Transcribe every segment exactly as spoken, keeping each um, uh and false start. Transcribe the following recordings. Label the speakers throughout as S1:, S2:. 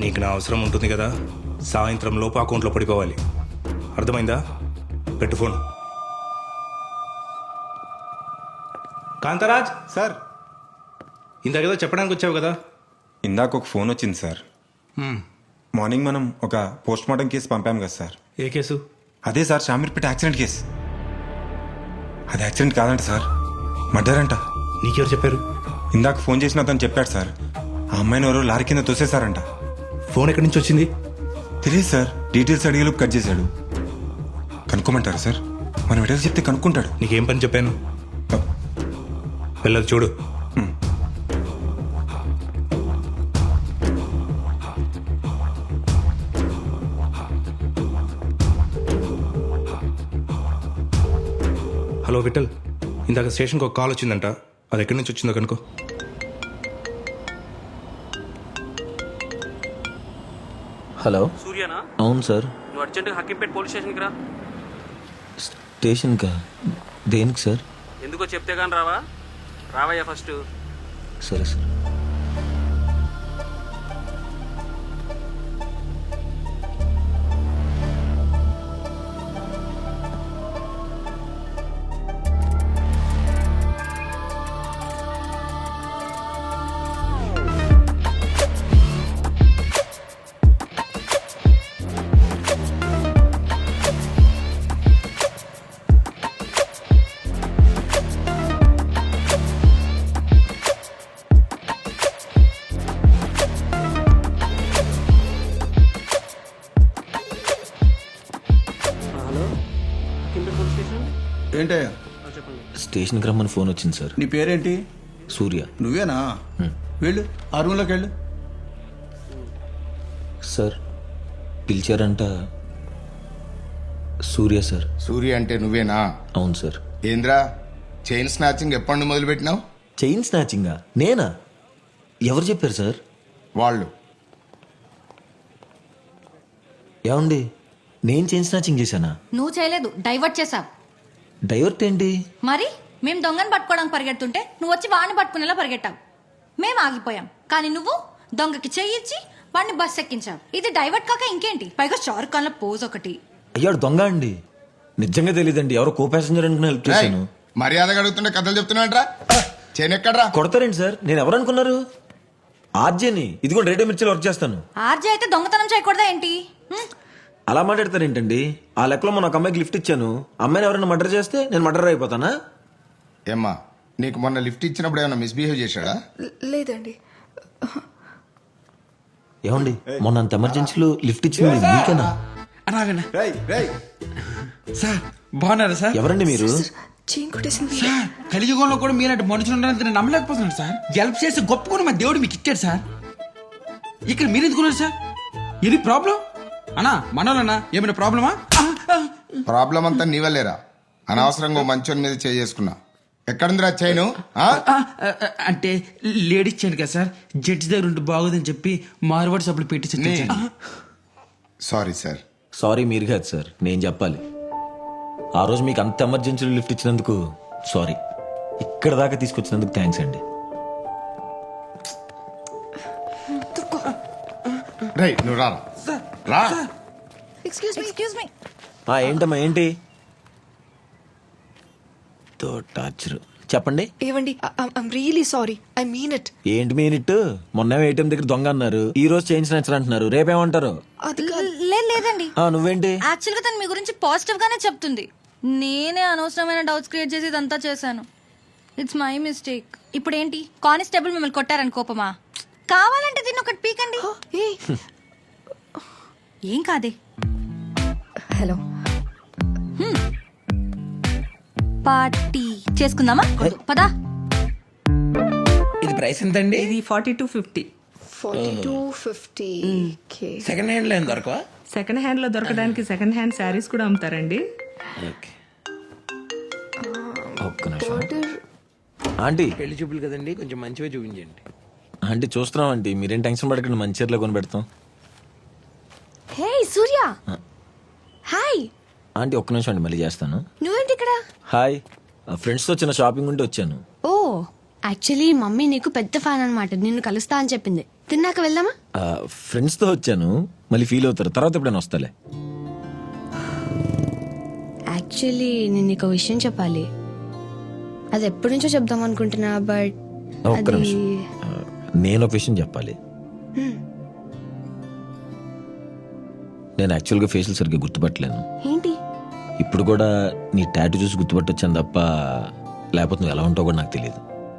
S1: నీకు నా అవసరం ఉంటుంది కదా, సాయంత్రం లోపు అకౌంట్లో పడిపోవాలి. అర్థమైందా? పెట్టు ఫోన్. కాంతరాజ్
S2: సార్,
S1: ఇందాకేదో చెప్పడానికి వచ్చావు కదా.
S2: ఇందాక ఒక ఫోన్ వచ్చింది సార్. మార్నింగ్ మనం ఒక పోస్ట్ మార్టం కేసు పంపాం కదా సార్.
S1: ఏ కేసు?
S2: అదే సార్, షామీర్పేట యాక్సిడెంట్ కేసు. అది యాక్సిడెంట్ కాదంట సార్, మర్డర్ అంట.
S1: నీకెవరు చెప్పారు?
S2: ఇందాక ఫోన్ చేసిన అతను చెప్పాడు సార్. ఆ అమ్మాయిని ఎవరో లారీ కింద తోసేశారంట.
S1: ఫోన్ ఎక్కడి నుంచి వచ్చింది?
S2: తెలియదు సార్, డీటెయిల్స్ అడిగేలోపు కట్ చేశాడు. కనుక్కోమంటారా సార్? మనం ఎటో చెప్తే కనుక్కుంటాడు.
S1: నీకేం పని చెప్పాను? వెళ్ళదు చూడు. హలో విఠల్, ఇందాక స్టేషన్కి ఒక కాల్ వచ్చిందంట. అది ఎక్కడి నుంచి వచ్చిందో కనుకో.
S3: హలో,
S4: సూర్యనా?
S3: అవును సార్.
S4: నువ్వు అర్జెంటుగా హక్కింపేట పోలీస్ స్టేషన్కి రా.
S3: స్టేషన్కా? దేనికి సార్?
S4: ఎందుకో చెప్తే కానీ రావా? రావయ్యా ఫస్ట్.
S3: సరే sir.
S4: Hello, Hakimpet police station.
S5: ఏంటయ్యా?
S4: ఆ, చెప్పండి.
S3: స్టేషన్కి రమ్మని ఫోన్ వచ్చింది సార్.
S5: నీ పేరేంటి?
S3: సూర్య.
S5: నువ్వేనా? వెళ్ళు, ఆ రూమ్లోకి వెళ్ళు.
S3: సార్ పిలిచారంట. సూర్య సార్.
S6: సూర్య అంటే నువ్వేనా?
S3: అవును సార్.
S6: ఏంద్రా, చైన్ స్నాచింగ్ ఎప్పటి నుండి మొదలు పెట్టినావు?
S3: చైన్ స్నాచింగా? నేనా? ఎవరు చెప్పారు సార్?
S6: వాళ్ళు.
S3: ఏమండి, నేను చైన్ స్నాచింగ్ చేశానా?
S7: నువ్వు చేయలేదు, డైవర్ట్ చేసావు.
S3: డైవర్ట్ ఏంటి?
S7: మరి మేము దొంగను పట్టుకోవడానికి పరిగెడుతుంటే నువ్వు వచ్చి వాడిని పట్టుకునేలా పరిగెట్టావు. మేము ఆగిపోయాం, కానీ నువ్వు దొంగకి చెయ్యిచ్చి వాడిని బస్ ఎక్కించావు. ఇది డైవర్ట్ కాక ఇంకేంటి? పైగా షారుఖ్ ఖాన్ లో పోజ్ ఒకటి.
S3: అయ్యాడు దొంగ అండి. నిజంగా తెలియదండి, ఎవరో కో ప్యాసింజర్ అనుకుని హెల్ప్ చేశాను.
S6: మర్యాదగా అడుగుతుంటే కథలు చెప్తున్నాడ్రా. చైన్ ఎక్కడ్రా?
S3: కొడతారేంటి సార్? నేను ఎవరు అనుకున్నారు? ఆర్జేని. ఇది కూడా రేడియో మిర్చిలో వర్క్ చేస్తాను.
S7: ఆర్జే అయితే దొంగతనం చేయకూడదా ఏంటి? హ్మ్.
S3: అలా మాట్లాడతారేంటండి? ఆ లెక్కలో మన ఒక అమ్మాయికి లిఫ్ట్ ఇచ్చాను. అమ్మాయిని ఎవరైనా మర్డర్ చేస్తే నేను మర్డర్ అయిపోతానా?
S6: ఏమ్మా, నీకు మొన్న లిఫ్ట్ ఇచ్చినప్పుడు ఏమైనా మిస్బిహేవ్ చేశాడా?
S8: లేదండి.
S3: ఏమండి, మొన్న అంత ఎమర్జెన్సీలో లిఫ్ట్ ఇచ్చింది మీకేనా?
S9: అలాగనా సార్? బాగున్నారా సార్?
S3: ఎవరండి మీరు?
S8: చైన్ కొట్టేసింది
S9: సార్, కలియుగంలో కూడా మీరంటే మనుషులు ఉన్నారని నేను నమ్మలేకపోతున్నాను సార్. హెల్ప్ చేసి గొప్పకొని మా దేవుడు మీకు ఇచ్చాడు సార్. ఇక్కడ మీరు ఎందుకున్నారు సార్? ఇది ప్రాబ్లం అన్నా? మనోళ్ళన్నా ఏమైనా ప్రాబ్లమా?
S6: ప్రాబ్లం అంతా నీ వల్లేరా. అనవసరంగా ఓ మంచోని మీద చేసుకున్నా. ఎక్కడుందిరా చైను? ఆ?
S9: ఆ, ఆ, అంటే లేడీస్ చైన్ కదా సార్, జడ్జి దగ్గర ఉంటే బాగోదని చెప్పి మార్వాడి సబ్బులు పెట్టి
S6: నీ- సారీ సార్.
S3: సారీ మీరు కాదు సార్, నేను చెప్పాలి. ఆ రోజు మీకు అంత ఎమర్జెన్సీలో లిఫ్ట్ ఇచ్చినందుకు సారీ. ఇక్కడ దాకా తీసుకొచ్చినందుకు థ్యాంక్స్ అండి.
S6: రై నువ్వు రా రా.
S8: Excuse me
S7: excuse me.
S3: ఆ, ఏంటమ్మా ఏంటి? తో టార్చర్ చెప్పండి.
S8: ఏవండి, I'm really sorry, I mean it.
S3: ఏంటి మీనిట్టు? మొన్న ఏటీఎం దగ్గర దొంగ అన్నారు, ఈ రోజు చేంజ్ నచ్చరు అంటున్నారు. రేపేమంటారు?
S8: అది కాదు.
S7: లేదు లేదండి,
S3: ఆ, నువ్వేంటి?
S7: యాక్చువల్ గా తను మీ గురించి పాజిటివ్ గానే చెప్తుంది. నేనే అనవసరమైన డౌట్స్ క్రియేట్ చేసి ఇదంతా చేశాను. It's my mistake. ఇప్పుడు ఏంటి, కానిస్టేబుల్ మిమ్మల్ని కొట్టారని కోపమా? కావాలంటే దీన్ని ఒకటి పీకండి.
S8: ఏ
S7: ఏం కాదే.
S8: హలో,
S7: పార్టీ చేసుకుందామా? పదా.
S9: ఇది ప్రైస్ ఎంతండి?
S10: ఇది forty two fifty.
S8: Forty two fifty.
S9: Second hand లో ఏం దొరకవా?
S10: సెకండ్ హ్యాండ్ లో దొరకడానికి సెకండ్ హ్యాండ్ శారీస్ కూడా అమ్ముతారండి.
S3: ఒక్క నిమిషం. ఆంటీ,
S9: పెళ్లి చూపులు కదండి, కొంచెం మంచిగా చూపించండి.
S3: ఆంటీ చూస్తున్నాం ఆంటీ, మీరేం టెన్షన్ పడకండి, మంచి చీరలో కొని పెడతాం.
S8: హే సూర్య. హాయ్.
S3: ఆంటీ ఒక్క నిమిషం అండి, మళ్ళీ చేస్తాను.
S8: నువ్వేంటి ఇక్కడ?
S3: హాయ్, ఫ్రెండ్స్తో చిన్న షాపింగ్ ఉంటే వచ్చాను.
S8: ఓ, యాక్చువల్లీ మమ్మీ నీకు పెద్ద ఫ్యాన్ అనమాట, నిన్ను కలుస్తా అని చెప్పింది. తిన్నాక వెళ్దామా?
S3: ఫ్రెండ్స్తో వచ్చాను, మళ్ళీ ఫీల్ అవుతారు, తర్వాత ఎప్పుడైనా వస్తాలే.
S8: యాక్చువల్లీ నేను నీకు విషయం చెప్పాలి. అది ఎప్పటి నుంచో చెప్దాం అనుకుంటున్నా, బట్
S3: ఒక్క
S8: అది
S3: నిమిషం, ఆ, నేను ఒక విషయం చెప్పాలి. నేను యాక్చువల్గా ఫేషియల్ సరిగ్గా గుర్తుపట్టలేను.
S8: ఏంటి?
S3: ఇప్పుడు కూడా నీ టాటూ చూసి గుర్తుపట్టొచ్చాను తప్ప, లేకపోతే నువ్వు ఎలా ఉంటావు కూడా నాకు తెలియదు.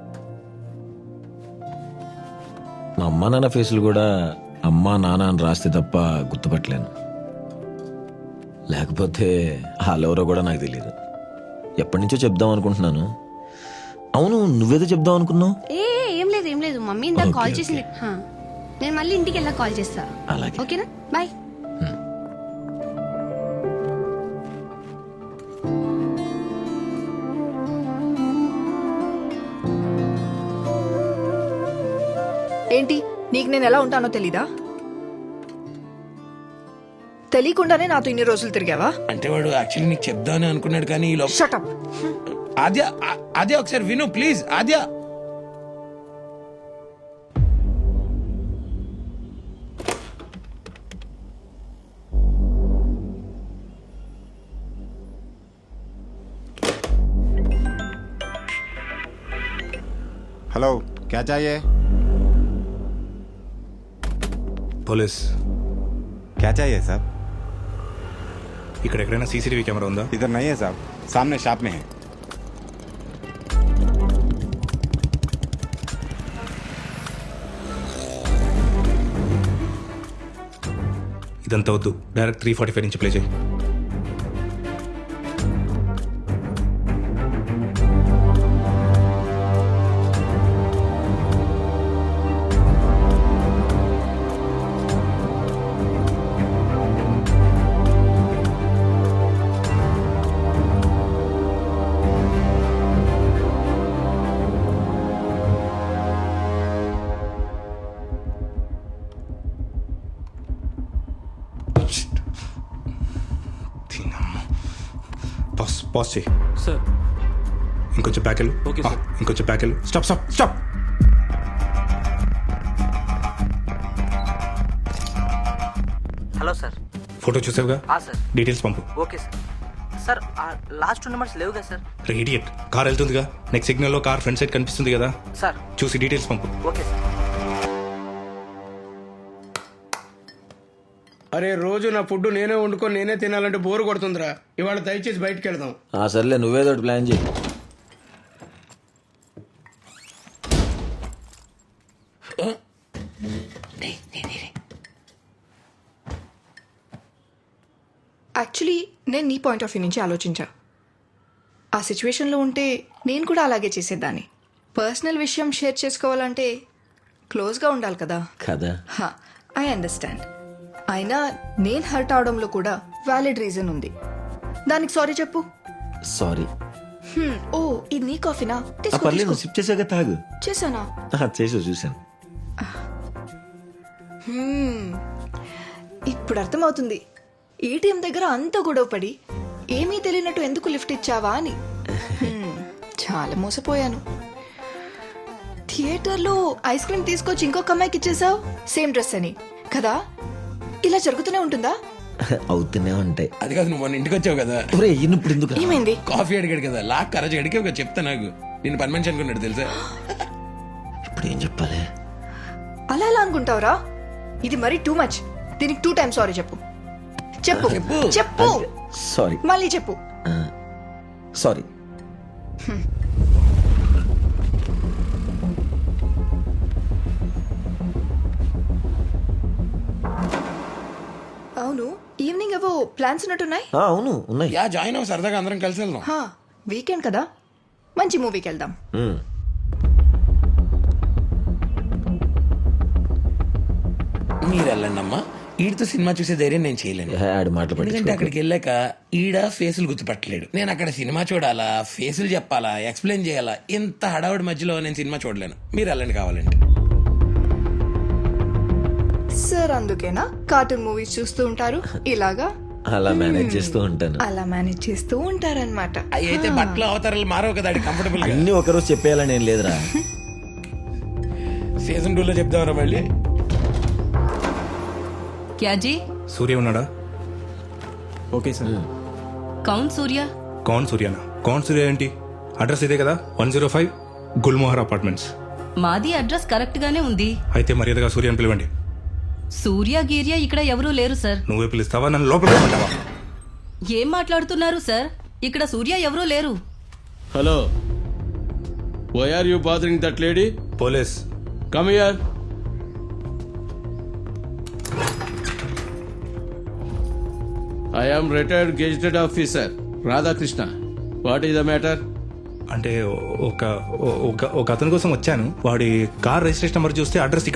S3: మా అమ్మా నాన్న ఫేసులు కూడా అమ్మా నాన్న అని రాస్తే తప్ప గుర్తుపట్టలేను. లేకపోతే వాళ్ళెవరో కూడా నాకు తెలియదు. ఎప్పటి నుంచో చెప్దాం అనుకుంటున్నాను. అవును, నువ్వేదో చెప్దాం అనుకున్నావు.
S8: ఏ ఏ, ఏం లేదు ఏం లేదు, మమ్మీ ఇందాక
S3: ఓకే,
S8: కాల్
S3: ఓకే.
S8: చేసింది. హా. నేను మళ్ళీ ఇంటికి వెళ్ళా కాల్ చేస్తా.
S3: అలాగే.
S8: ఓకేనా? బాయ్.
S11: ఏంటి, నీకు నేను ఎలా ఉంటానో తెలీదా? తెలియకుండానే నాతో ఇన్ని రోజులు తిరిగావా?
S9: అంటే వాడు యాక్చువల్లీ నీకు చెప్దామని అనుకున్నాడు, కానీ ఈ లోపల
S11: షటప్.
S9: ఆద్య ఆ- ఆద్య ఒకసారి విను ప్లీజ్. ఆద్య
S2: హలో, క్యా చాయే?
S1: పోలీస్,
S2: क्या चाहिए साहब?
S1: ఇక్కడ ఎక్కడైనా సీసీటీవీ కెమెరా ఉందా?
S2: इधर नहीं है साहब, सामने शॉप में है.
S1: ఇదంతా వద్దు, డైరెక్ట్ త్రీ ఫార్టీ ఫైవ్ నుంచి ప్లే చేయి. పాస్ పాస్ చేయి.
S4: సార్
S1: ఇంకొంచెం ప్యాకెల్.
S4: Okay, sir.
S1: ఇంకొంచెం ప్యాకెల్. Stop stop stop.
S4: Hello sir.
S1: Photo చూసావుగా?
S4: సార్.
S1: డీటెయిల్స్ పంపు.
S4: Okay sir. Sir last two numbers లేవుగా సార్?
S1: ఇడియట్, కార్ వెళ్తుందిగా, నెక్స్ట్ సిగ్నల్లో కార్ ఫ్రంట్ సైడ్ కనిపిస్తుంది కదా,
S4: సార్.
S1: చూసి డీటెయిల్స్ పంపు.
S4: Okay sir.
S9: అరే, రోజు నా ఫుడ్ నేనే వండుకొని నేనే తినాలంటే బోరు కొడుతుందిరా. ఇవాళ దయచేసి బయటికి వెళ్దాం.
S3: ఆ, సర్లే, నువ్వేదో ఒకటి ప్లాన్ చేయి.
S11: యాక్చువల్లీ నేను నీ పాయింట్ ఆఫ్ వ్యూ నుంచి ఆలోచించా. ఆ సిచ్యువేషన్లో ఉంటే నేను కూడా అలాగే చేసేదాన్ని. పర్సనల్ విషయం షేర్ చేసుకోవాలంటే క్లోజ్గా ఉండాలి కదా.
S3: కదా.
S11: I understand. అయినా నేను హర్ట్ అవడంలో కూడా వ్యాలిడ్ రీజన్ ఉంది. దానికి సారీ చెప్పు.
S3: సారీ.
S11: హ్మ్, ఓ ఇది నీ కాఫీనా?
S3: ఆ,
S11: తీసుకో,
S3: పర్లేదు,
S11: తీసుకో.
S3: సిప్ చేసాక తాగు.
S11: చేశానా?
S3: ఆ, చేసావు, చూశాను.
S11: హ్మ్, ఇప్పుడు అర్థమవుతుంది ఏటీఎం దగ్గర అంత గొడవపడి ఏమీ తెలియనట్టు ఎందుకు లిఫ్ట్ ఇచ్చావా అని. హ్మ్, చాలా మోసపోయాను. థియేటర్లో ఐస్ క్రీమ్ తీసుకొచ్చి ఇంకొక అమ్మాయికి ఇచ్చేసావు, సేమ్ డ్రెస్ అని కదా. ఇలా జరుగుతూనే ఉంటుందా?
S3: అవుతూనే ఉంటాయి.
S9: అది కాదు, నువ్వు మొన్న ఇంటికి వచ్చావు కదా,
S3: ఒరే, ఈయనప్పుడు ఎందుకు రా?
S11: ఏమైంది?
S9: కాఫీ అడిగాడు కదా, లాక్ కరజ్ అడిగే ఒక చెప్తా నాకు. నేను పని మనిషి అనుకున్నాడు తెలుసా.
S3: ఇప్పుడు ఏం చెప్పాలి?
S11: అలా ఎలా అనుకుంటావురా? ఇది మరీ టూ మచ్. దీనికి టూ టైమ్స్ సారీ చెప్పు. చెప్పు చెప్పు
S3: సారీ.
S11: మళ్ళీ చెప్పు.
S3: సారీ.
S11: అవును, ఈవినింగ్ ఏవో ప్లాన్స్ ఉన్నట్టున్నాయి.
S3: ఆ, అవును, ఉన్నాయి.
S9: యా, జాయిన్ అవ్వ, సరదాగా అందరం కలిసి వెళ్దాం.
S11: హా, వీకెండ్ కదా, మంచి మూవీకి వెళ్దాం.
S3: మ్.
S9: మీరు వెళ్ళండి అమ్మా. ఈడితో సినిమా చూసే ధైర్యం నేను చేయలేను.
S3: ఏ, ఆడి మాటలు
S9: ఎందుకంటే
S3: పట్టించుకోకు.
S9: అక్కడికి వెళ్ళాక ఈడ ఫేసులు గుర్తుపట్టలేడు. నేను అక్కడ సినిమా చూడాలా, ఫేసులు చెప్పాలా, ఎక్స్ప్లెయిన్ చేయాలా, ఇంత హడావుడి మధ్యలో నేను సినిమా చూడలేను. మీరు వెళ్ళండి కావాలంటే.
S11: సార్ అందుకేనా కార్టూన్ మూవీస్ చూస్తూ ఉంటారు ఇలాగా?
S3: అలా మేనేజ్ చేస్తూ ఉంటాను.
S11: అలా మేనేజ్ చేస్తూ ఉంటారనమాట.
S9: అవి అయితే బట్టలు అవతారాలు మారవు కదా, కంఫర్టబుల్ గా.
S3: అన్ని ఒకరోజు చెప్పేయాలని ఏం లేదురా.
S9: సీజన్ టూలో చెప్దామరా మళ్ళీ.
S10: क्या जी
S1: సూర్య ఉన్నాడా?
S2: Okay sir.
S10: कौन सूर्या
S1: కౌన్ సూర్యనా? కౌన్ సూర్య ఏంటి? అడ్రస్ ఇదే కదా, one zero five Gulmohar apartments.
S10: మాది అడ్రస్ కరెక్ట్ గానే ఉంది.
S1: అయితే మర్యాదగా సూర్యని పిలవండి.
S10: సూర్య గీర్య ఇక్కడ ఎవరూ లేరు సార్.
S1: నువ్వే పిలుస్తావా, నన్ను లోపల పిలవమంటావా?
S10: ఏం మాట్లాడుతున్నారు సార్? ఇక్కడ సూర్య ఎవరూ లేరు.
S9: Hello, why are you bothering that lady?
S1: Police.
S9: Come here. I am retired gazetted officer Radhakrishna. What is the matter?
S1: అంటే ఒక ఒక ఒక అతని కోసం వచ్చాను. వాడి కార్ రిజిస్ట్రేషన్ నెంబర్ చూస్తే అడ్రస్